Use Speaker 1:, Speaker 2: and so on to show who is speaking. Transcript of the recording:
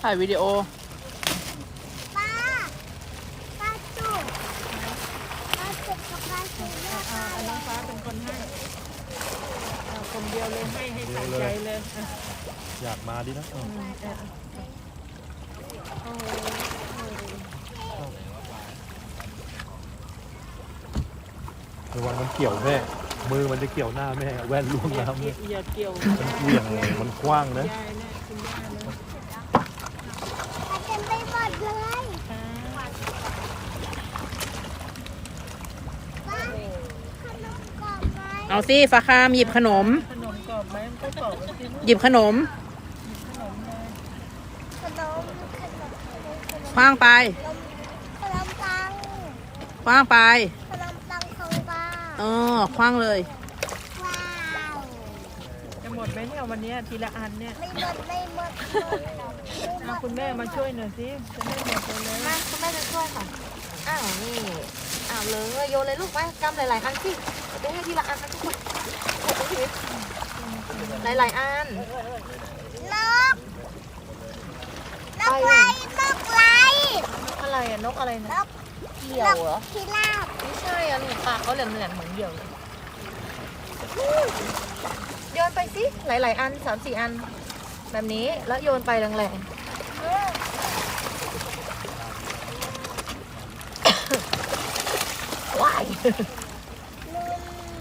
Speaker 1: ถ่ายวิดีโอ
Speaker 2: ป้าป้าจุกป้าจุกกับป้าจุกเนี่ยค่ะ
Speaker 3: น้องฟ้าเป็นคนให้คนเดียวเลยให้ใส่ใจเลย
Speaker 4: อยากมาดินะระวังมันเกี่ยวแม่มือมันจะเกี่ยวหน้าแม่แว่นล่วงน้ำเลย
Speaker 3: อย่าเกี่ยว
Speaker 4: มันเหวี่ยงมันกว้างนะ
Speaker 3: ยายนะคุณย่านะ
Speaker 2: ป้าเต็มไปหมดเลยป้าขนมกรอบไหม
Speaker 1: เอาสิฟ้าคามหยิบขนม
Speaker 3: ขนมกรอบไหมก็กรอบสิ
Speaker 1: หยิบขนม
Speaker 3: ขนมเลย
Speaker 2: ขนม
Speaker 1: คว้างไป
Speaker 2: ขนมปัง
Speaker 1: คว้างไป
Speaker 2: ขนมปังของป้า
Speaker 1: คว้างเลย
Speaker 2: ว้าว
Speaker 3: จะหมดไหมเนี่ยวันนี้ทีละอันเนี่ย
Speaker 2: ไม่หมดไม่หมด
Speaker 3: เอาคุณแม่มาช่วยหน่อยสิจะไม่หมดเลย
Speaker 5: มาคุณแม่จะช่วยค่ะ อ้าวนี่ อ้าวเลยโยนเลยลูกไปกำหลายๆอันสิจะให้ทีละอันนะทุกคนหมดชีวิตหลายๆอัน
Speaker 2: นกนกไรนกไร
Speaker 5: อะไรอะนกอะไร
Speaker 2: น
Speaker 5: นะ
Speaker 2: ก
Speaker 5: เหยี่ยวเหรอ
Speaker 2: พิราบ
Speaker 5: ไม่ใช่อะหนูปากเขาเหลืองๆเหมือนเหยี่ยวเลยโยนไปสิหลายๆอัน3-4 อัน แบบนี้แล้วโยนไปแรงๆว้าย